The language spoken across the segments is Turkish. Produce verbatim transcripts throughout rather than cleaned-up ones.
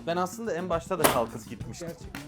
Ben aslında en başta da kalkıp gitmiştim. Gerçekten.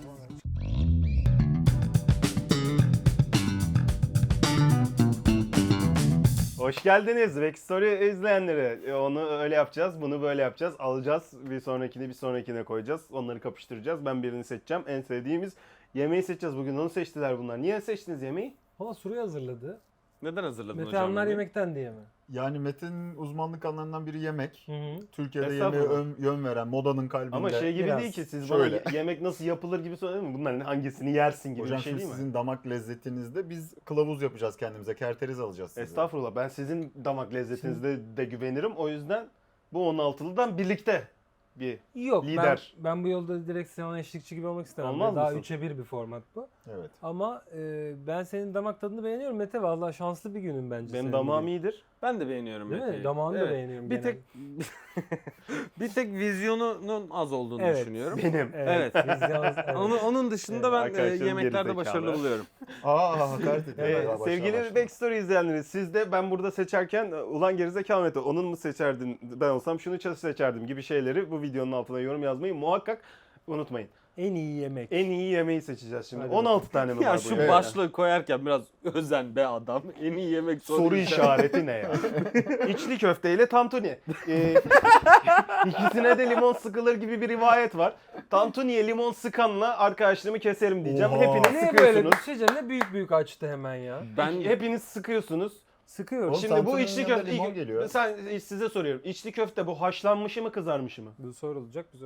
Hoş geldiniz Backstory izleyenleri. E, Onu öyle yapacağız, bunu böyle yapacağız. Alacağız, bir sonrakini bir sonrakine koyacağız. Onları kapıştıracağız. Ben birini seçeceğim. En sevdiğimiz yemeği seçeceğiz. Bugün onu seçtiler bunlar. Niye seçtiniz yemeği? Valla soruyu hazırladı. Neden hazırladın Mete hocam? anlar yemeği? yemekten diye mi? Yani Metin uzmanlık alanlarından biri yemek. Hı hı. Türkiye'de yemeğe Estağfurullah. ön- yön veren, modanın kalbinde. Ama şey gibi biraz değil ki siz şöyle. bana yemek nasıl yapılır gibi söyledin mi? Bunların hangisini yersin gibi Hocam bir şey şimdi değil mi? sizin damak lezzetinizde biz kılavuz yapacağız kendimize. Kerteriz alacağız size. Estağfurullah. Ben sizin damak lezzetinizde de güvenirim. O yüzden bu on altılıdan birlikte bir Yok lider. ben, ben bu yolda direkt sana eşlikçi gibi olmak istemem. Olmaz Daha mısın? üçe bir bir format bu. Evet. Ama e, ben senin damak tadını beğeniyorum Mete. Valla şanslı bir günün bence. Benim senin damağım bugün. iyidir. Ben de beğeniyorum Değil mi? Mete'yi. Damağını da Evet. beğeniyorum Bir genelde. tek bir tek vizyonunun az olduğunu Evet. düşünüyorum. Benim. Evet. Evet. biz yalnız- evet. Onun, onun dışında ben e, Arkadaşlarım yemeklerde gerizekalı. başarılı buluyorum. Aa hakaret ediyor. Ee, Başla, sevgili başla. Backstory izleyenleri, siz de ben burada seçerken ulan gerizekalı Mete onun mu seçerdin, ben olsam şunu seçerdim gibi şeyleri bu videonun altına yorum yazmayı muhakkak unutmayın. En iyi yemek. En iyi yemeği seçeceğiz şimdi. Hadi on altı tane mi Ya var şu bu yemeğe? başlığı koyarken biraz özen be adam. En iyi yemek soru, Soru işareti ne ya? İçli köfteyle tantuni. Ee, ikisine de limon sıkılır gibi bir rivayet var. Tantuniye limon sıkanla arkadaşlığımı keserim diyeceğim. Oha. Hepiniz Ne böyle sıkıyorsunuz. bir şey diyeceğim, ne büyük büyük açtı hemen ya. Ben Hepiniz sıkıyorsunuz. Sıkıyorum. Oğlum, Şimdi bu tantuninin içli yanında köfte... limon geliyor. Sen, size soruyorum. İçli köfte bu haşlanmışı mı kızarmışı mı? Bu sorulacak bize.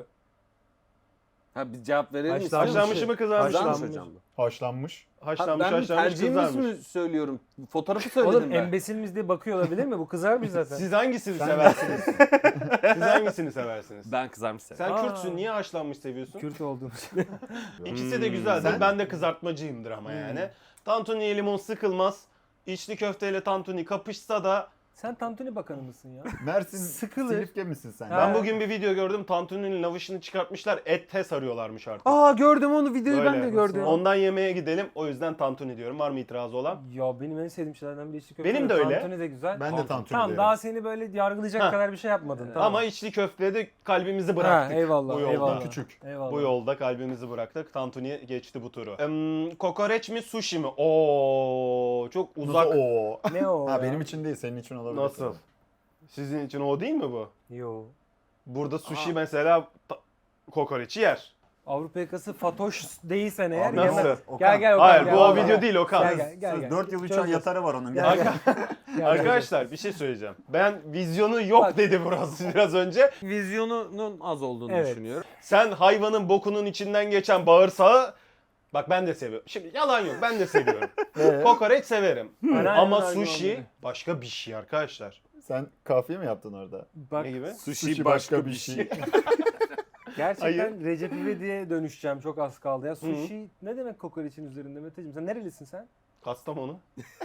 ha bir cevap verelim Haşlanmış. istiyorum. Haşlanmışı mı kızarmışı mı? Kızarmış Haşlanmış. hocam bu. Haşlanmış. Ha, Haşlanmış ben bir haşlanmış tercihimiz kızarmış. mi söylüyorum? Fotoğrafı söyledim Oğlum ben. embesil miyiz diye bakıyor olabilir mi? Bu kızarmış zaten. Siz hangisini Sen- seversiniz? Siz hangisini seversiniz? Ben kızarmış severim. Sen Aa. Kürtsün, niye haşlanmış seviyorsun? Kürt olduğumuz. İkisi de güzeldir. Sen- Ben de kızartmacıyımdır ama yani. Tantuniye limon sıkılmaz. İçli köfteyle tantuni kapışsa da Sen tantuni bakanı mısın ya? Mersin Sıkılır. Silifke misin sen? Ha. ben bugün bir video gördüm. Tantuninin lavışını çıkartmışlar. Ette sarıyorlarmış artık. Aa gördüm onu videoyu ben Böyle. de gördüm. Ondan yemeğe gidelim. O yüzden tantuni diyorum. Var mı itirazı olan? Ya benim en sevdiğim şeylerden biri içli köfte. Benim de öyle. Tantuni de güzel. Ben de tantuni Tamam derim. daha seni böyle yargılayacak Ha. kadar bir şey yapmadın. Tamam. Ama içli köfteye de kalbimizi ha, bıraktık. eyvallah, bu yolda. eyvallah. Küçük. Eyvallah. Bu yolda kalbimizi bıraktık. Tantuniye geçti bu turu. Em, kokoreç mi sushi mi? Oo çok uzak. Nasıl o? Ne o Ha ya? benim için değil, senin için olabilir. Nasıl? Sizin için o değil mi bu? Yo. Burada sushi Aa. mesela ta- kokoreçi yer. Avrupa yakası Fatoş değilsen eğer Abi nasıl? yemez. Okan. Gel gel Okan. Hayır gel, bu o gel, video gel. değil Okan. Gel gel gel. gel. dört yıl üç ay Çözeceğiz. yatarı var onun. Gel, Gel. gel. Gel, gel. Arkadaşlar bir şey söyleyeceğim. Ben vizyonu yok Bak. dedi burası biraz önce. Vizyonunun az olduğunu Evet. düşünüyorum. Sen hayvanın bokunun içinden geçen bağırsağı bak ben de seviyorum. Şimdi yalan yok ben de seviyorum. Evet. Kokoreç severim. Aynen, Ama aynen, sushi aynen. başka bir şey arkadaşlar. Sen kafiye mi yaptın orada? Bak Ne gibi? Sushi başka bir şey. gerçekten Hayır. Recep İvedik'e dönüşeceğim, çok az kaldı ya. Sushi ne demek kokoreçin üzerinde Meteciğim? Sen nerelisin sen? Kastamonu.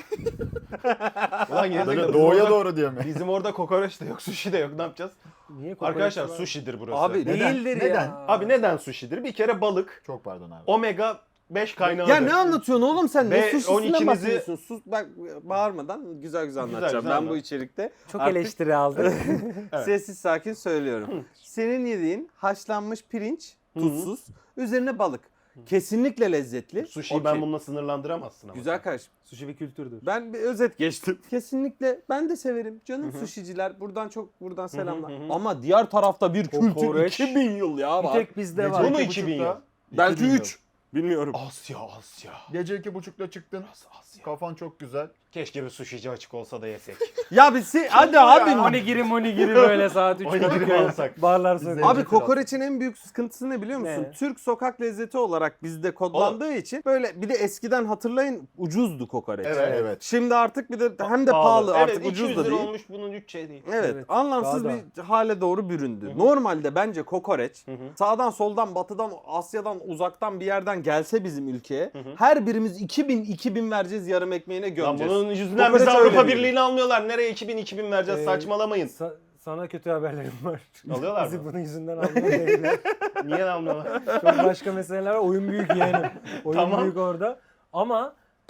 Ulan gerizekalı, Böyle bizim doğuya orada- doğru diyor mu? Bizim orada kokoreç de yok, sushi de yok. Ne yapacağız? Niye kokoreç Arkadaşlar var? sushi'dir burası. Abi, Neden? Değildir Neden? ya. Abi neden sushi'dir? Bir kere balık, Çok pardon abi. omega beş kaynağıdır. Ya ne anlatıyorsun oğlum sen? Ve Ne suşisinden on ikinizi bahsediyorsun? Sus bak bağırmadan güzel güzel anlatacağım. güzel ben anlat. bu içerikte Çok artık eleştiri aldı. Evet. sessiz sakin söylüyorum. Senin yediğin haşlanmış pirinç, tuzsuz, üzerine balık. Kesinlikle lezzetli. Sushi'yi Okey. ben bununla sınırlandıramazsın ama. Güzel kardeşim. Sushi bir kültürdür. Ben bir özet geçtim. Kesinlikle ben de severim. Canım sushiciler buradan çok buradan selamlar. hı hı. Ama diğer tarafta bir kültür Kokoreç. iki bin yıl ya Bir var. tek bizde Gece var. Bu mu iki iki bin yıl? buçukta- Belki iki bin yıl. üç. Bilmiyorum. Asya, Asya. Gece iki buçukta çıktın. Asya. Kafan çok güzel. Keşke bir sushi'ci açık olsa da yesek. Ya bir si hadi abi. Onigiri monigiri böyle saat üç Onigiri mi alsak? Barlar Biz söylüyor. Abi Zencefil kokoreçin en büyük sıkıntısı ne biliyor musun? Ne? Türk sokak lezzeti olarak bizde kodlandığı için böyle bir de eskiden hatırlayın ucuzdu kokoreç. Evet. Evet. Şimdi artık bir de hem de pahalı, artık evet, ucuz iki yüz da lira değil. olmuş bunun üç şey değil. Evet, Evet, anlamsız daha bir hale doğru büründü. Normalde bence kokoreç hı. sağdan soldan batıdan Asya'dan uzaktan bir yerden gelse bizim ülkeye her birimiz iki bin iki bin vereceğiz yarım ekmeğine Lan gömeceğiz. bunun yüzünden Kokoreç bizi öyle Avrupa değil. Birliği'ne almıyorlar. Nereye iki bin iki bin vereceğiz? Ee, Saçmalamayın. Sa- sana kötü haberlerim var. Alıyorlar Bizi mı? bunun yüzünden almıyor değiller. Niye almıyorlar? Çok başka meseleler var. Oyun büyük yeğenim. Oyun Tamam. büyük orada. Ama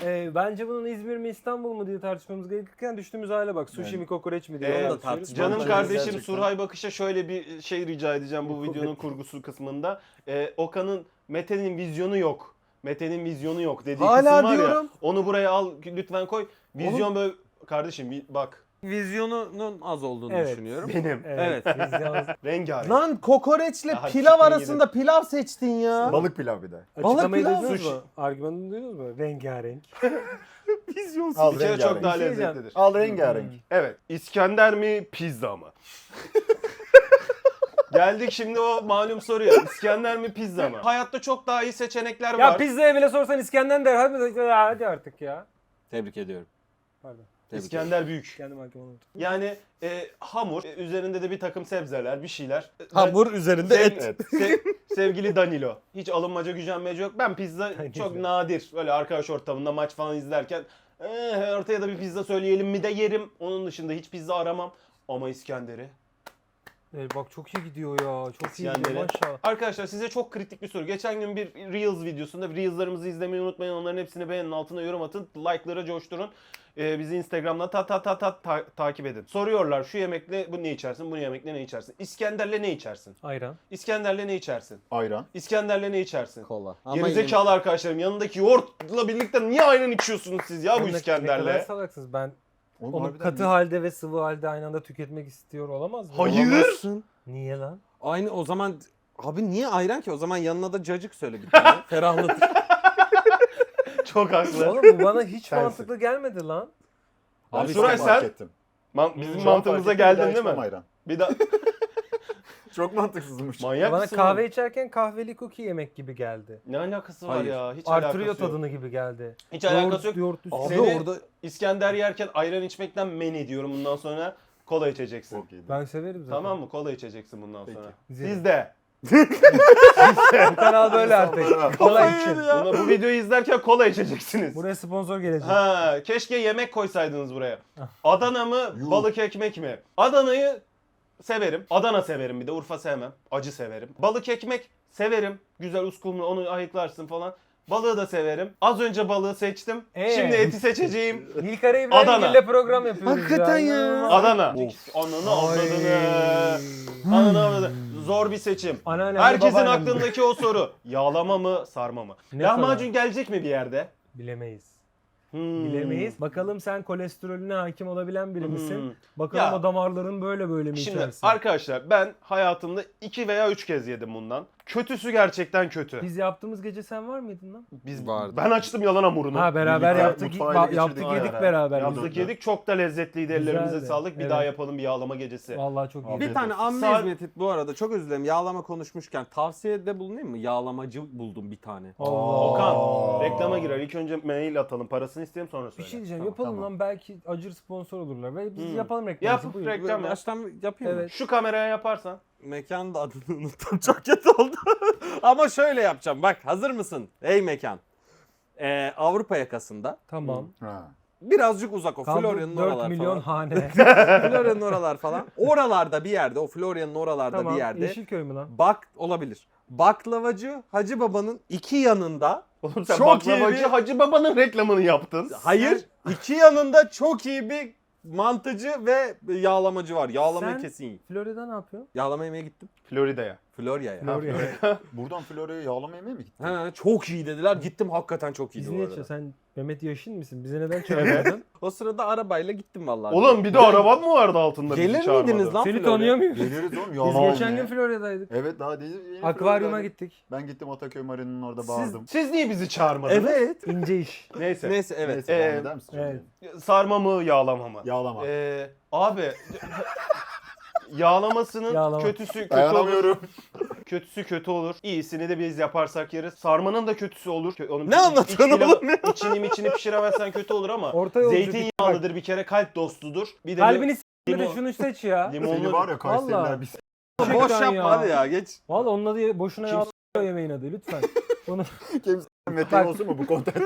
Ee, bence bunun İzmir mi İstanbul mu diye tartışmamız gerekirken düştüğümüz hale bak. Sushi Yani. mi kokoreç mi diye. Ee, onu da tartışıyoruz. tartışmamız Canım Bence kardeşim gerçekten. Surhay Bakış'a şöyle bir şey rica edeceğim bu videonun kurgusu kısmında. Ee, Okan'ın Mete'nin vizyonu yok. Mete'nin vizyonu yok dediği Hala kısım var diyorum. ya. Onu buraya al lütfen koy. Vizyon böyle kardeşim bir bak Vizyonunun az olduğunu Evet. düşünüyorum. benim Evet. Evet. vizyonumuz. rengarenk. Lan kokoreçle Ya hadi pilav siktirin arasında pilav seçtin ya. Balık pilav bir de. Açıklamayı pilav, duydunuz sushi. mu? Argümanını duydunuz mu? Rengarenk. Vizyonsuz. Al Bir kere çok rengarenk. daha Bir şey diyeceğim. lezzetlidir. Al rengarenk. Evet. İskender mi pizza mı? Geldik şimdi o malum soruya. İskender mi pizza mı? Hayatta çok daha iyi seçenekler Ya var. pizzaya bile sorsan İskender der. Hadi, hadi artık ya. Tebrik ediyorum. Pardon. Tebrik İskender büyük. Kendim hakim olmadım. Yani e, hamur, e, üzerinde de bir takım sebzeler, bir şeyler. E, ben- Hamur üzerinde Sev- et. sev- sevgili Danilo. Hiç alınmaca gücenmece yok. Ben pizza Danilo. çok nadir. Böyle arkadaş ortamında maç falan izlerken "Eh, ortaya da bir pizza söyleyelim mi de yerim. Onun dışında hiç pizza aramam. Ama İskender'i. Evet, bak çok iyi gidiyor ya. Çok iyi İskender'i. gidiyor maşallah. Arkadaşlar size çok kritik bir soru. Geçen gün bir Reels videosunda Reels'larımızı izlemeyi unutmayın. Onların hepsini beğenin, altına yorum atın. Like'lara coşturun. Ee, bizi Instagram'dan ta ta ta ta ta- takip edin. Soruyorlar şu yemekle bu ne içersin, bu yemekle ne içersin? İskender'le ne içersin? Ayran. İskender'le ne içersin? Ayran. İskender'le ne içersin? Kola. Ama Gerizekalı arkadaşlarım yanındaki yoğurtla birlikte niye ayran içiyorsunuz siz ya bu Ne- Ne kadar İskender'le? salaksınız. Ben Oğlum onu harbiden katı iyi. halde ve sıvı halde aynı anda tüketmek istiyor olamaz mı? Hayır. Olamazsın. Niye lan? Aynı o zaman abi niye ayran ki? O zaman yanına da cacık söyle bir tane. Ferahlatır. Çok haklı. Oğlum bu bana hiç Sensin. mantıklı gelmedi lan. Ben Abi de Şuray çok fark sen- ettim. Man- bizim Şu an mantığımıza fark ettim, bir daha geldin değil içmem mi? Ayran. Bir daha Çok mantıksızmış. manyak Bana mısın kahve oğlum? içerken kahveli cookie yemek gibi geldi. Ne alakası var Hayır. ya? Hiç Artırıyor alakası yok. tadını gibi geldi. Hiç alakası yok. Yoğurt, yoğurt Abi üstüne. Seni- orada İskender yerken ayran içmekten men ediyorum bundan sonra. Kola içeceksin. Çok iyiydi. Ben severim zaten. Tamam mı? Kola içeceksin bundan Peki. sonra. Güzel. Siz de. Bu kanal böyle artık. Sonra- Kola için. Buna, bu videoyu izlerken kola içeceksiniz. Buraya sponsor gelecek. Ha, keşke yemek koysaydınız buraya. Adana mı, Yuh. balık ekmek mi? Adana'yı severim. Adana severim bir de Urfa sevmem. Acı severim. Balık ekmek severim. Güzel uskumru onu ayıklarsın falan. Balığı da severim. Az önce balığı seçtim. Ee? Şimdi eti seçeceğim. Nilkara Adana. İbrahimgil'le program yapıyoruz. Hakikaten ya. İnanılmaz. Adana. Of. Ananı Ay. avradını. Ananı avradını. Zor bir seçim. Anneannem de Herkesin babaannem de. aklındaki o soru. Yağlama mı, sarma mı? Ne Lahmacun gelecek mi bir yerde? Bilemeyiz. Hmm. Bilemeyiz. Bakalım sen kolesterolüne hakim olabilen biri misin? Hmm. Bakalım Ya. o damarların böyle böyle mi Şimdi içersin? arkadaşlar ben hayatımda iki veya üç kez yedim bundan. Kötüsü gerçekten kötü. Biz yaptığımız gece sen var mıydın lan? Biz Vardı. ben açtım yalan hamurunu. Ha beraber Birlikte yaptık, mutfağa ele ba- geçirdik. yaptık Aynen. yedik beraber. biz. Yaptık yedik çok da lezzetliydi. Ellerimize Güzeldi. sağlık. Bir Evet. daha yapalım bir yağlama gecesi. Vallahi çok iyi. bir tane amme Sağ- hizmeti bu arada çok özür dilerim. Yağlama konuşmuşken tavsiyede bulunayım mı? Yağlamacı buldum bir tane. Allah. Okan Aa. reklama girer. İlk önce mail atalım. Parasını isteyelim sonra Bir söyle. şey diyeceğim. Tamam, yapalım tamam. lan belki acır sponsor olurlar. Ve biz Hmm. yapalım reklamı. Yap Buyur. reklam yap. Baştan yapayım mı? Evet. Şu kameraya yaparsan. Mekanın da adını unuttum. Çok kötü oldu. Ama şöyle yapacağım. Bak hazır mısın? Ey mekan. Ee, Avrupa yakasında. Tamam. Ha. Birazcık uzak o. Kaldı Florya'nın dört oralar milyon falan. hane. Florya'nın oralar falan. Oralarda bir yerde. O Florya'nın oralarda Tamam. bir yerde. Yeşilköy mü lan? Bak olabilir. Baklavacı Hacı Baba'nın iki yanında. Oğlum sen Çok baklavacı iyi bir- Hacı Baba'nın reklamını yaptın. Hayır. iki yanında çok iyi bir mantıcı ve yağlamacı var. Yağlamayı Sen- kesin yiyin. Florida ne yapıyor? Yağlama yemeye gittim. Florida'ya. Florya'ya. Florida. Buradan Florya'ya yağlama yemeye mi gittin? Ha, çok iyi dediler. Gittim hakikaten çok iyiydi Biz bu niye arada. içiyorsun? Sen Mehmet Yaşin misin? Bize neden çağırmadın? O sırada arabayla gittim vallahi. Oğlum bir de Gel- araban mı vardı altında bizi Gelir çağırmadı? miydiniz lan Seni Florya'ya? tanıyor muyuz? Geliriz oğlum Biz yağlama geçen yemeye. gün Florida'daydık. Evet daha değil. yeni Akvaryuma Florya'daydık. gittik. Ben gittim Ataköy Marina'nın orada Siz, bağırdım. siz niye bizi çağırmadınız? Evet. İnce iş. Neyse. Neyse evet. Neyse Ee, devam eder misin? evet. Sarma mı yağlama mı? Yağlama. Ee, abi yağlamasının Yağlama. kötüsü kötü olur. Dayanamıyorum. Kötüsü kötü olur. İyisini de biz yaparsak yeriz. Sarmanın da kötüsü olur. Kö- Onun Ne anlatıyorsun iç- oğlum ya? İçini içini pişiremezsen kötü olur ama Orta yolcu bir- zeytinyağlıdır bir kere kalp dostudur. Bir de Kalbini s***de limon- şunu seç ya. Seni limonlu var ya Kayseriler Vallahi. biz. Boş Gerçekten yapma ya. hadi ya geç. Valla onun adı boşuna Kim yağlı yemeğin adı lütfen. Bunu Kimse Mete Bak. olsun mu bu kontentin?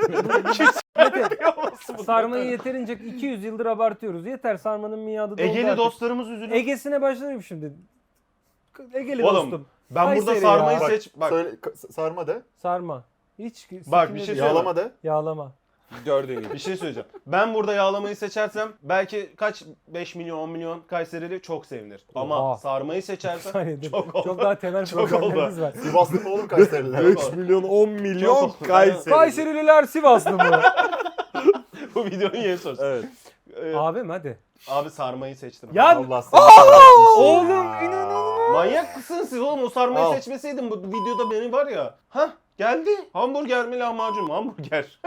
sarmayı yeterince iki yüz yıldır abartıyoruz. Yeter sarmanın miadı doldu Egeli artık. dostlarımız üzülür. Ege'sine başlarım şimdi. Egeli Oğlum, dostum. ben burada Kayseri sarmayı ya. Bak, seç. Bak Söyle, ka- sarma de. Sarma. Hiç Bak, bir şey sikimde- söyle- Yağlama de. Yağlama. Gördüğün gibi. Bir şey söyleyeceğim. Ben burada yağlamayı seçersem belki kaç beş milyon on milyon Kayserili çok sevinir. Ama Oha. sarmayı Bir seçersem saniye dur. çok oldu. Çok daha temel Çok problemlerimiz var. Sivaslı mı oğlum Kayseriler? üç milyon on milyon Çok oldu. Kayseri. Kayserililer Sivaslı mı? Bu videonun yeni sorusu. Evet. Ee, Abim hadi. abi sarmayı seçtim. Ya Allah seni kahretsin oğlum, ya. inanılmaz. Manyak mısınız siz oğlum? O sarmayı Al. seçmeseydim bu videoda beni var ya. Hah geldi. Hamburger mi lahmacun mu? Hamburger.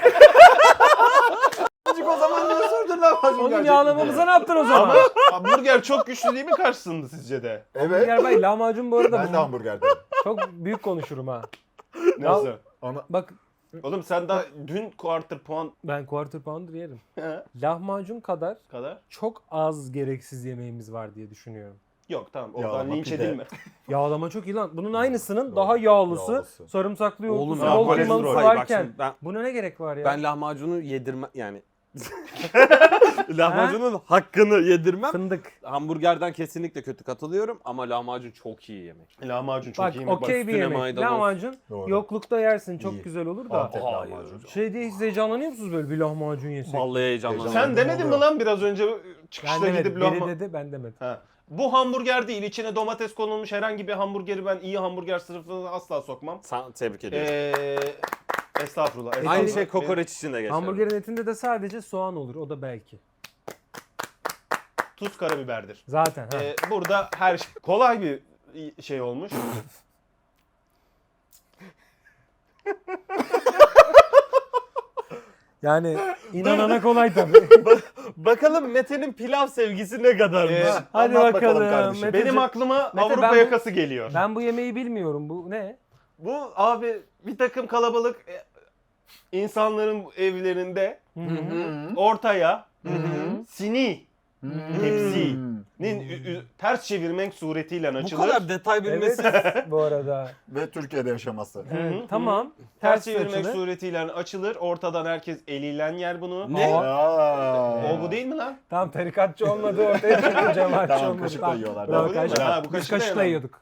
O zaman niye sordun lan? Onun yağlamamıza ne yaptın o zaman? Ama hamburger çok güçlü değil mi karşısında sizce de? Evet. Yer Bey lahmacun bu arada Ben de hamburger dedim. çok büyük konuşurum ha. Nasıl? Ama Bak Oğlum sen daha dün quarter puan ben quarter pounder yerim. Lahmacun kadar kadar. çok az gereksiz yemeğimiz var diye düşünüyorum. Yok tamam oradan Yağlama linç pide. edilme. Yağlama çok iyi lan. Bunun aynısının daha yağlısı, Yağlısı. sarımsaklı yoğurtlusu, Oğlum ya, bol kolesterol. kıymalısı Hayır, bak varken şimdi ben buna ne gerek var ya? ben lahmacunu yedirme yani lahmacunun hakkını yedirmem. Fındık. Hamburgerden kesinlikle kötü katılıyorum ama lahmacun çok iyi yemek. Lahmacun çok Bak iyi yemek. okey bir üstüne yemek. maydanoz. Lahmacun Doğru. yoklukta yersin çok İyi. güzel olur da. Antep Hayır. lahmacun. Şey diye hiç heyecanlanıyor musunuz böyle bir lahmacun yesek? Vallahi heyecanlandım. Sen demedin mi lan biraz önce Ben çıkışta demedim. gidip Biri lahma... dedi ben demedim. Ha. Bu hamburger değil. İçine domates konulmuş herhangi bir hamburgeri ben iyi hamburger sınıfına asla sokmam. Sana tebrik ediyorum. Ee, estağfurullah. Aynı estağfurullah. şey kokoreç için de geçerli. Hamburgerin etinde de sadece soğan olur. O da belki. Tuz karabiberdir. Zaten. Ha. Ee, burada her şey kolay bir şey olmuş. Yani inanana kolay tabii. Bakalım Mete'nin pilav sevgisi ne kadarmış. Ee, Hadi Anlat bakalım. kardeşim. Mete- Benim aklıma Mete, Avrupa ben bu- yakası geliyor. Ben bu yemeği bilmiyorum. Bu ne? Bu abi bir takım kalabalık e, insanların evlerinde Hı hı. ortaya Hı hı. sini Hmm. tepsinin ü- ü- ters çevirmek suretiyle Bu açılır. kadar detay bilmesi. Evet bu arada. Ve Türkiye'de yaşaması. Evet, tamam. Ters Ters çevirmek açılır. suretiyle açılır. Ortadan herkes eliyle yer bunu. Ne? Aa. O bu değil mi lan? Tam tarikatçı olmadı ortaya çıktı cemaatçi Tamam, olmadı. kaşıkla yiyorlar. Bravo, Bu değil mi? kaşık. Ha, bu Biz kaşıkla kaşıkla yemem. yiyorduk.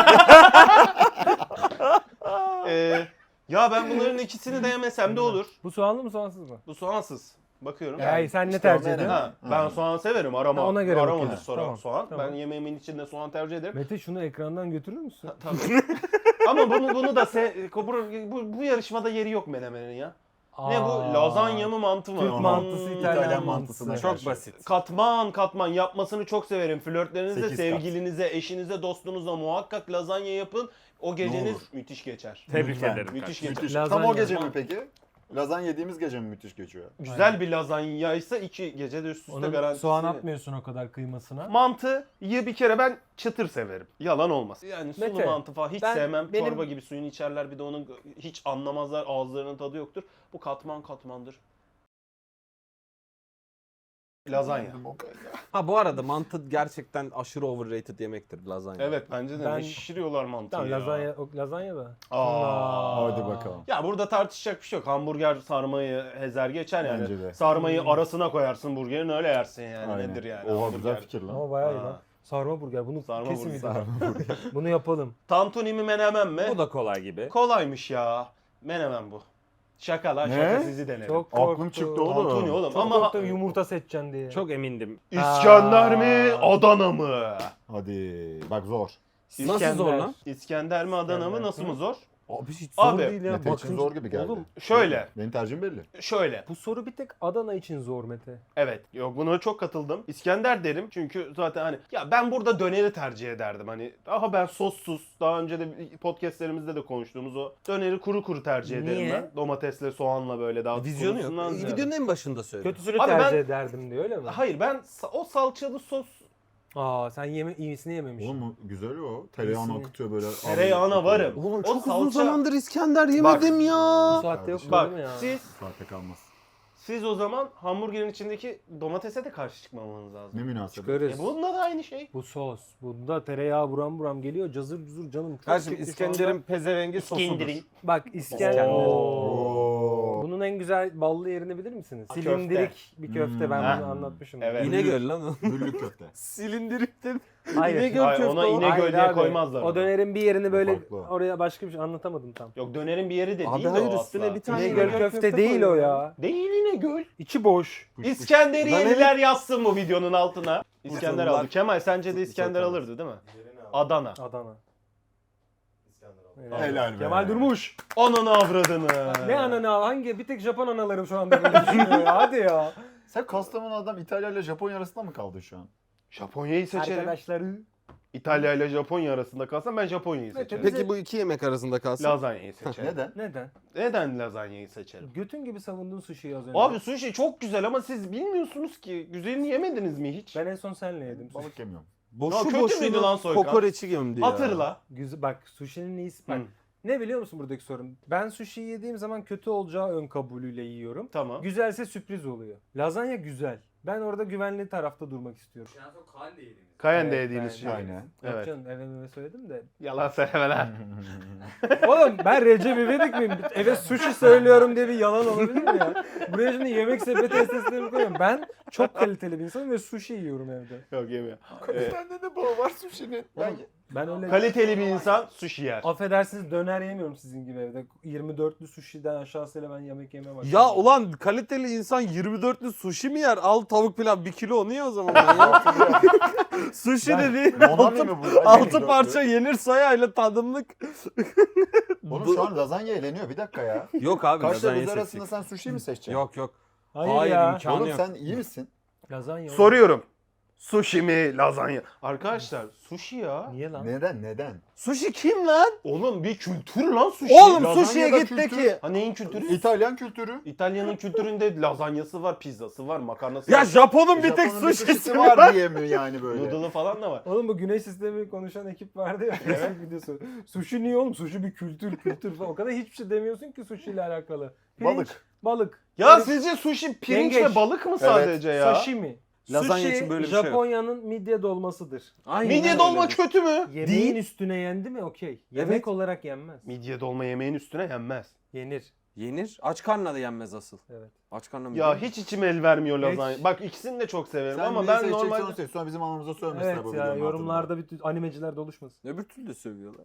Ee, ya ben bunların ikisini de yemesem de olur. Bu soğanlı mı soğansız mı? Bu soğansız. Bakıyorum. Ya hayır, sen ne işte tercih o ediyorsun? Ha, ben Ha. soğan severim. Arama. Ha, ona göre Aramadır bakıyorsun. soğan. Tamam, soğan. tamam. Ben yemeğimin içinde soğan tercih ederim. Mete şunu ekrandan götürür müsün? Tabii. Ama bunu bunu da se bu, bu, bu yarışmada yeri yok menemenin ya. Ne bu? Aa. Lazanya mı mantı mı? Türk Hmm. mantısı, İtalyan, İtalyan mantısı. mantısına Çok karşı. basit. Katman katman yapmasını çok severim. Flörtlerinize, Sekiz kat. sevgilinize, eşinize, dostunuza muhakkak lazanya yapın. O geceniz olur. müthiş geçer. Tebrik Lütfen. ederim. Müthiş kardeşim. geçer. Müthiş. Lazanya. Tam o gece mi peki? Lazanya yediğimiz gece mi müthiş geçiyor? Güzel bir lazanyaysa iki gecede üst üste Onun garantisi. soğan atmıyorsun o kadar kıymasına. Mantıyı bir kere ben çıtır severim. Yalan olmaz. Yani sulu Mete, mantı falan hiç ben- sevmem. benim- Çorba gibi suyunu içerler bir de onun hiç anlamazlar. Ağızlarının tadı yoktur. Bu katman katmandır. Lazanya. Ha bu arada mantı gerçekten aşırı overrated yemektir lazanya. Evet bence de Ben- ne şişiriyorlar mantıyı Tamam ya. lazanya, o, lazanya da. Aa. Hadi bakalım. Ya burada tartışacak bir şey yok. Hamburger sarmayı hezer geçer yani. Bence de. Sarmayı arasına koyarsın burgerin öyle yersin yani. Aynen. Nedir yani? Oha hamburger? güzel fikir lan. Ama bayağı iyi Ha. lan. Sarma burger. Bunu Sarma kesin burger. videoda. Bunu yapalım. Tantuni mi menemen mi? Bu da kolay gibi. Kolaymış ya. Menemen bu. Şaka lan Ne? şaka sizi denerim. Çok Aklım korktum. çıktı oğlum. Tantuni oğlum Çok ama korktum yumurta seçeceksin diye. Çok emindim. İskender mi Aa. Adana mı? Hadi bak zor. Nasıl zor lan? İskender mi Adana mı İskender. nasıl mı zor? Abi hiç zor zor Abi, değil değil ya. Mete için zor gibi geldi. Oğlum, Şöyle, Benim tercihim belli. şöyle. bu soru bir tek Adana için zor Mete. Evet, yok buna çok katıldım. İskender derim çünkü zaten hani ya ben burada döneri tercih ederdim. Hani daha ben sossuz, daha önce de podcastlerimizde de konuştuğumuz o döneri kuru kuru tercih ederim Niye? ben. Domatesle, soğanla böyle daha Vizyonu yok. kurusundan ziyade. Videonun en başında söyle. Kötüsünü Abi tercih ben- ederdim diyor öyle mi? Hayır ben sa- o salçalı sos Aa sen yeme iyisini yememişsin. Oğlum o güzel o. Tereyağını İyisini. akıtıyor böyle. tereyağına varım. Oğlum O çok uzun salça- zamandır İskender yemedim Bu ya. saatte yok Kardeşim. Bak mu ya? siz Saatte kalmaz. siz o zaman hamburgerin içindeki domatese de karşı çıkmamanız Ne lazım. münasebet. Çıkarız. E bunda da aynı şey. Bu sos. Bunda tereyağı buram buram geliyor. Cazır cuzur canım. Çok Kardeşim çekti şu anda. İskender'in pezevengi sosudur. İskender'in. Bak İskender. İskender. Oo. Bunun Onun en güzel ballı yerini bilir misiniz? Köfte. Silindirik bir köfte. Hmm. Ben Ha. bunu anlatmışım. Evet. İnegöl lan o. Güllük köfte. Silindirikten. Hayır. İnegöl Hayır, köfte ona o. İnegöl Hayır diye abi, koymazlar O onu. dönerin bir yerini böyle Farklı. oraya başka bir şey anlatamadım tam. Yok dönerin bir yeri de Abi değil hayır, o üstüne asla. bir tane İnegöl İnegöl köfte, köfte değil o koyuyor. ya. Değil İnegöl. İçi boş. İskenderiyeliler yazsın bu videonun altına. İskender Kurtuldular. aldı. Kemal sence de İskender Çok alırdı değil mi? Adana. Adana. Helal be. Kemal Durmuş. Ananı avradını. Ne ananı hangi? Bir tek Japon analarım şu anda böyle düşünüyor ya. Hadi ya. Sen Kastamonu adam İtalya ile Japonya arasında mı kaldı şu an? Japonya'yı seçerim. Arkadaşları. İtalya ile Japonya arasında kalsam ben Japonya'yı seçerim. Peki bu iki yemek arasında kalsın. Lazanyayı seçerim. Neden? Neden? Neden lazanyayı seçerim? Götün gibi savundun sushi'yi az önce. Abi sushi çok güzel ama siz bilmiyorsunuz ki. Güzelini yemediniz mi hiç? Ben en son senle yedim. sushi. Balık yemiyorum. Ya Boşu kötü müydü lan boşuna Soykan? kokoreçi gömdü ya. Hatırla. Güzel, bak sushi'nin iyisi. Bak Hı. ne biliyor musun buradaki sorun? Ben sushi yediğim zaman kötü olacağı ön kabulüyle yiyorum. Tamam. Güzelse sürpriz oluyor. Lazanya güzel. Ben orada güvenli tarafta durmak istiyorum. En son Kaan'da yediğimiz. Kayen'de Evet, yediğiniz ben- şey. Aynen. Yok Evet. canım eve meve söyledim de. Yalan söyleme lan. Oğlum ben Recep İvedik miyim? Eve sushi söylüyorum diye bir yalan olabilir mi ya? Buraya şimdi yemek sepeti esneslerimi koyuyorum. Ben çok kaliteli bir insanım ve sushi yiyorum evde. Yok yemiyor. Ee, Sende de bağı var sushi'nin. Oğlum, ben öyle... kaliteli bir insan sushi yer. Affedersiniz döner yemiyorum sizin gibi evde. yirmi dörtlü sushi'den aşağısıyla ben yemek yemem. Ya ulan kaliteli insan yirmi dörtlü sushi mi yer? Al tavuk pilav bir kilo onu ye o zaman. Ya. Sushi Ben- dediğin Monami altı, mi bu? altı parça yenir sayayla tadımlık. Oğlum şu an lazanya eğleniyor. Bir dakika ya. Yok abi Kaşla lazanya buz seçtik. arasında sen sushi mi seçeceksin? Yok yok. Hayır, Hayır, ya. imkanı Oğlum yok. sen iyi misin? Lazanya oğlum. Soruyorum. Sushi mi, lazanya? Arkadaşlar sushi ya. Niye lan? Neden? Neden? Sushi kim lan? Oğlum bir kültür lan sushi. Oğlum lazanya sushi'ye da git de kültür. ki. Ha neyin kültürü? İtalyan kültürü. İtalya'nın kültüründe lazanyası var, pizzası var, makarnası Ya var. Japon'un bir tek Japon'un bir sushi'si var var. diye mi yani böyle? Noodle'ı falan da var. Oğlum bu güneş sistemi konuşan ekip vardı ya. Facebook videosu. Sushi niye oğlum? Sushi bir kültür kültür falan. O kadar hiçbir şey demiyorsun ki sushi ile alakalı. Pirinç, Balık. Balık. Ya Balık, sizce sushi pirinç Yengeç. ve balık mı sadece ya? Sashimi. Lazanya Sushi, için böyle bir şey yok. Japonya'nın midye dolmasıdır. Aynen Midye öyle. dolma kötü mü? Yemeğin üstüne yendi mi okey. Yemek Evet. olarak yenmez. Midye dolma yemeğin üstüne yenmez. Yenir. Yenir. Aç karnına da yenmez asıl. Evet. Aç karnına mı? Ya yenir? hiç içim el vermiyor Geç. lazanya. Bak ikisini de çok severim Sen ama neyi ben seçeceksen normalde... onu seç. Sonra bizim anamıza sövmesinler Evet bu ya videonun altında. yorumlarda bütün animeciler doluşmasın. Öbür türlü de sövüyorlar.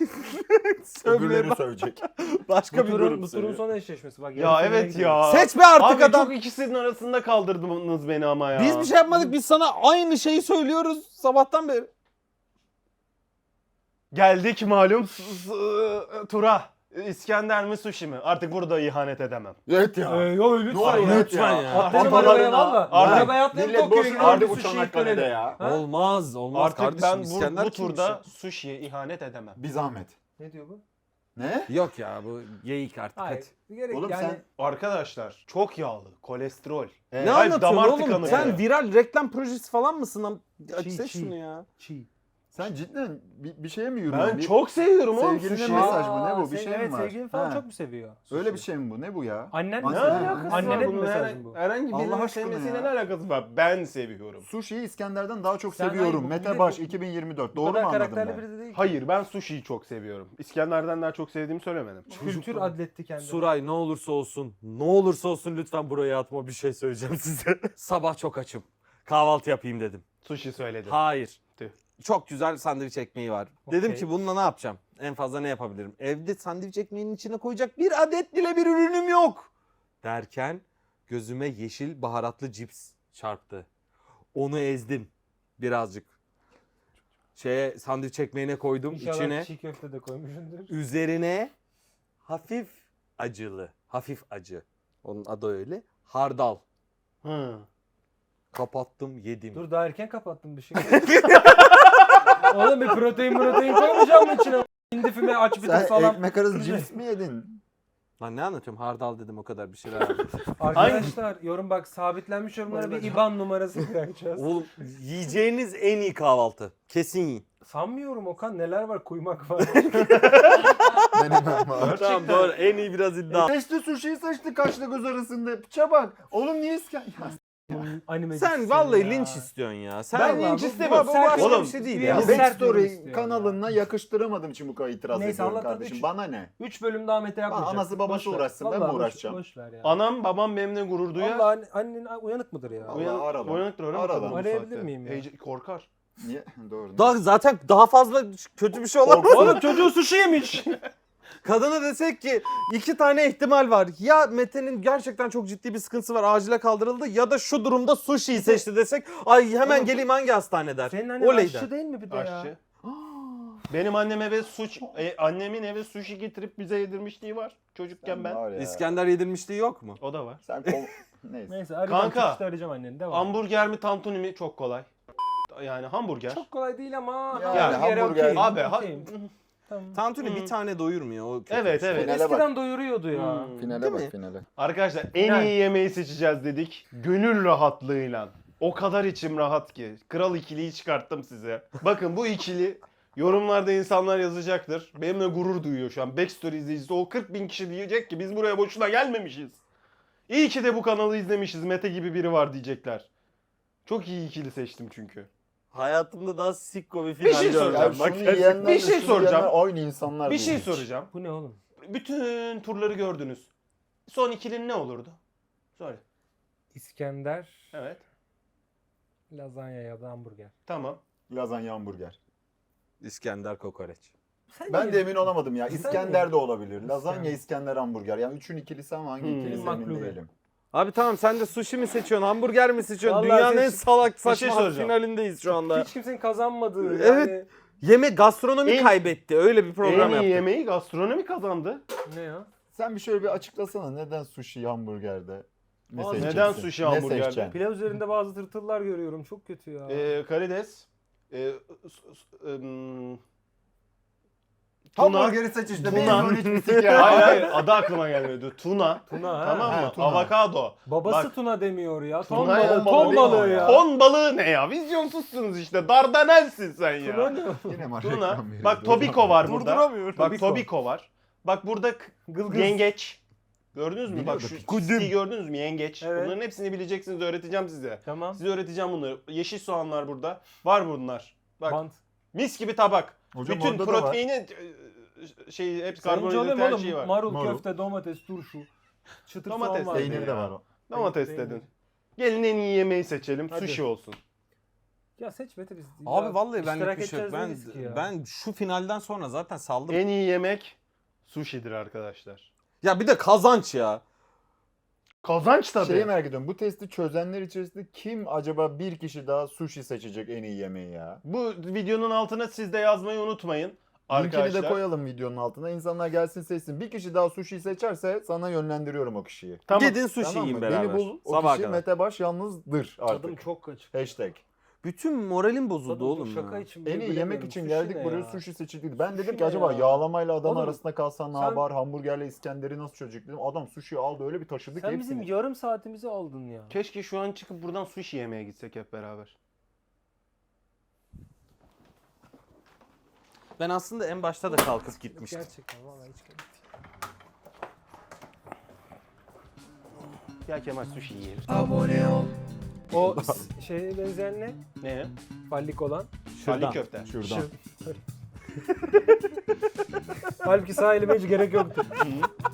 Öbürleri sövecek. Başka Bu bir turun, grup bu turun sövüyor. son eşleşmesi. Bak, Ya yarı finale evet gidiyoruz. ya. Seçme artık Abi adam. çok ikisinin arasında kaldırdınız beni ama ya. Biz bir şey yapmadık. Biz sana aynı şeyi söylüyoruz sabahtan beri. Geldik malum s- s- tura. İskender mi sushi mi? Artık burada ihanet edemem. Evet ya. Ee, yo lütfen Ne olur ya. lütfen ya. Atlayalım Atalarına- arabaya valla. Artık- Arabaya atlayalım Millet Tokyo'ya boş gidelim. verdi bir bu sushi'yi Çanakkale'de dönelim. ya. Ha? Olmaz. Olmaz Artık kardeşim. ben bu, İskender bu kimmiş turda ya? sushi'ye ihanet edemem. Bir zahmet. Ne diyor bu? Ne? Yok ya bu geyik artık. Hayır. Hadi. Bir gerek Oğlum yani. sen- Arkadaşlar çok yağlı, kolesterol. Evet. Ne Hayır, anlatıyorsun damar oğlum? tıkanıklığı. Sen viral reklam projesi falan mısın? lan? Aç Çiğ, seç çiğ. şunu ya. Çiğ. Sen cidden bir, bir şeye mi yürüyorsun? Ben Bir- çok seviyorum oğlum Sevgilinin sushi. mesaj mı? Ne bu? Bir sev- şey mi evet, var? sevgilin falan Ha. çok mu seviyor? Öyle bir şey mi bu? Ne bu ya? Annen Ne mi? Ne alakası Annene var mi bunun? mesaj Herhangi, bu? herhangi Allah birinin aşkına sevmesiyle ya. ne alakası var? Ben seviyorum. Sushi'yi İskender'den daha çok Sen seviyorum. hayır, bu- Mete bir de Baş bu- iki bin yirmi dört. Bu Doğru mu kadar anladım karakterli ben? biri de değil. Hayır ben sushi'yi çok seviyorum. İskender'den daha çok sevdiğimi söylemedim. Kültür adletti kendini. Suray ne olursa olsun, ne olursa olsun lütfen buraya atma, bir şey söyleyeceğim size. Sabah çok açım. Kahvaltı yapayım dedim. Sushi söyledim. Hayır. Tüh. Çok güzel sandviç ekmeği var. Dedim Okey. ki bununla ne yapacağım? En fazla ne yapabilirim? Evde sandviç ekmeğinin içine koyacak bir adet bile bir ürünüm yok. Derken gözüme yeşil baharatlı cips çarptı. Onu ezdim birazcık. Şeye sandviç ekmeğine koydum İnşallah içine. çiğ köfte de koymuşsundur. Üzerine hafif acılı, hafif acı. Onun adı öyle. Hardal. Hı. Kapattım, yedim. Dur daha erken kapattım bir şey. Oğlum bir protein protein koymayacağım mı içine? Hindi füme aç bir de Sen salam. ekmek arası cips mi yedin? Lan ne anlatıyorum? Hardal dedim o kadar bir şeyler aldım. Arkadaşlar yorum bak sabitlenmiş yorumlara bir Bayılacağım. I B A N numarası bırakacağız. Oğlum yiyeceğiniz en iyi kahvaltı. Kesin yiyin. Sanmıyorum Okan neler var kuymak var. Denemem var. Tamam doğru. En iyi biraz iddia. Seçti sushi'yi seçti kaşla göz arasında. Piça bak. Oğlum niye İskender? Anime Sen vallahi linç istiyorsun ya. Sen Ben Vallahi linç bu- istemiyorum. Bu, bu başka Oğlum, bir şey değil bir ya. Ya sert Backstory istiyor kanalına yakıştıramadığım için bu kadar itiraz Neyse, ediyorum Allah'tan kardeşim. üç- Bana ne? üç bölüm daha Mete yapmayacak. anası babası Boş ver. uğraşsın, ben mi Vallahi boş- uğraşacağım? Boş ver ya. Anam babam benimle gurur duyar. Vallahi anne- annen uyanık mıdır ya? Allah Uyanık, ara lan. uyanıktır öyle mi? Ara kadın lan. bu Arayabilir saatte? miyim ya? Heyecan- korkar. Niye? Doğru. Daha, zaten daha fazla kötü bir şey olamaz. Oğlum çocuğu sushi yemiş. Kadına desek ki iki tane ihtimal var. Ya Mete'nin gerçekten çok ciddi bir sıkıntısı var, acile kaldırıldı, ya da şu durumda sushi'yi seçti desek, ay hemen Oğlum, geleyim hangi hastane der. Senin annen Oley aşçı der. değil mi bir de ya? Aşçı. Benim annem eve suç, e, annemin eve sushi getirip bize yedirmişliği var çocukken Sen ben. var ya. İskender yedirmişliği yok mu? O da var. Sen kol... Neyse. Neyse arayacağım. Kanka, Çıkışta arayacağım anneni. Devam. Hamburger mi tantuni mi çok kolay. Yani hamburger. Çok kolay değil ama. Yani hamburgere hamburger- okeyim, Abi ha- okeyim. Tamam. Tantuni Hmm. bir tane doyurmuyor. O kötü Evet bir şey. evet. Finale bak. Eskiden doyuruyordu ya. Hmm. Finale Değil bak mi? finale. Arkadaşlar en Yani. iyi yemeği seçeceğiz dedik. Gönül rahatlığıyla. O kadar içim rahat ki. Kral ikiliyi çıkarttım size. Bakın bu ikili yorumlarda insanlar yazacaktır. Benimle gurur duyuyor şu an. Backstory izleyicisi o kırk bin kişi diyecek ki biz buraya boşuna gelmemişiz. İyi ki de bu kanalı izlemişiz. Mete gibi biri var diyecekler. Çok iyi ikili seçtim çünkü. Hayatımda daha sikko bir Bir final şey göreceğim. soracağım. Ya Bak şunu gerçekten. yiyenler Bir şey şunu soracağım. yiyenler aynı insanlar Bir şey değil. soracağım. Bu ne oğlum? Bütün turları gördünüz. Son ikilin ne olurdu? Söyle. İskender, Evet. lazanya ya da hamburger. Tamam. Lazanya hamburger. İskender kokoreç. Sen Ben niye- de emin olamadım ya. Sen İskender niye- de olabilir. Lazanya, İskender. İskender, hamburger. Yani üçün ikilisi ama hangi Hmm. ikilisi Maklube. emin değilim. Abi tamam, sen de sushi mi seçiyorsun, hamburger mi seçiyorsun? Vallahi Dünyanın en seç- salak şey saçma soracağım. finalindeyiz şu anda. Hiç kimsenin kazanmadığı Evet. yani. Yemek gastronomi En- kaybetti. Öyle bir program en iyi yaptık. yemeği gastronomi kazandı. Ne ya? Sen bir şöyle bir açıklasana neden sushi hamburgerde? Ne Aa, seçeceksin? neden sushi Ne hamburgerde? seçeceksin? Pilav üzerinde bazı tırtıllar görüyorum. Çok kötü ya. Ee, karides. Ee, s- s- ım, tuna. Hamburgeri seç işte. Tuna. Tuna. Hiçbir sik ya. Hayır hayır adı aklıma gelmedi. Tuna. Tuna ha. Tamam mı? ha, tuna. Avokado. Babası Bak. tuna demiyor ya. Ton Tuna- balığı, ton ton balığı balığı değil mi ya. Ton balığı ne ya? Vizyonsuzsunuz işte. Dardanelsin sen Tuna ya. ne? Yine mi Tuna. reklam veriyoruz? Bak Tobiko var burada. Durduramıyorum. Bak Tobiko. Tobiko var. Bak burada k- Gılgız. yengeç. Gördünüz mü? Bak Biliyorduk. şu çizgiyi gördünüz mü? Yengeç. Evet. Bunların hepsini bileceksiniz. Öğreteceğim size. Tamam. Size öğreteceğim bunları. Yeşil soğan var burada. Var bunlar. Bak Bant. mis gibi tabak. Hocam Bütün orada da var. proteini e, şey hep Sence karbonhidrat oğlum her oğlum şeyi var. marul, Marul. köfte, domates, turşu. Çıtır Domates, soğan var. Peynir de var o. Domates Peynir. dedin. Gelin en iyi yemeği seçelim. Hadi. Sushi olsun. Ya seç Mete biz. Abi ya vallahi ben iştirak bir şey yok. edeceğiz Ben, dedik ki ya. ben şu finalden sonra zaten saldım. En iyi yemek sushi'dir arkadaşlar. Ya bir de kazanç ya. Kazanç tabii. Şeyi merak ediyorum. Bu testi çözenler içerisinde kim acaba bir kişi daha sushi seçecek en iyi yemeği ya? Bu videonun altına siz de yazmayı unutmayın. Linkini Arkadaşlar. de koyalım videonun altına. İnsanlar gelsin seçsin. Bir kişi daha sushi seçerse sana yönlendiriyorum o kişiyi. Tamam. Gidin sushi Tamam yiyin mı? beraber. Beni bul. O Sabaha kişi kadar. Mete Baş yalnızdır Tadım artık. çok açık. Hashtag. Bütün moralim bozuldu Tadım oğlum çok ya. şaka için. En bile iyi yemek bilemiyorum. için Sushi geldik ne buraya ya? sushi seçildi. Ben dedim Sushi ki ne acaba ya? yağlamayla Adana Oğlum, arasında kalsan ne sen- yapar? Hamburgerle İskender'i nasıl çözecek dedim. Adam sushi aldı öyle bir taşıdı ki Sen bizim hepsini. yarım saatimizi aldın ya. Keşke şu an çıkıp buradan sushi yemeye gitsek hep beraber. Ben aslında en başta da kalkıp gitmiştim. Gerçekten vallahi hiç gerek değil. Ya Kemal sushi yiyelim. O s- şeye benzeyen ne? Ne? Fallik olan. Şuradan. köfte. Şuradan. Halbuki sağ elime hiç gerek yoktu.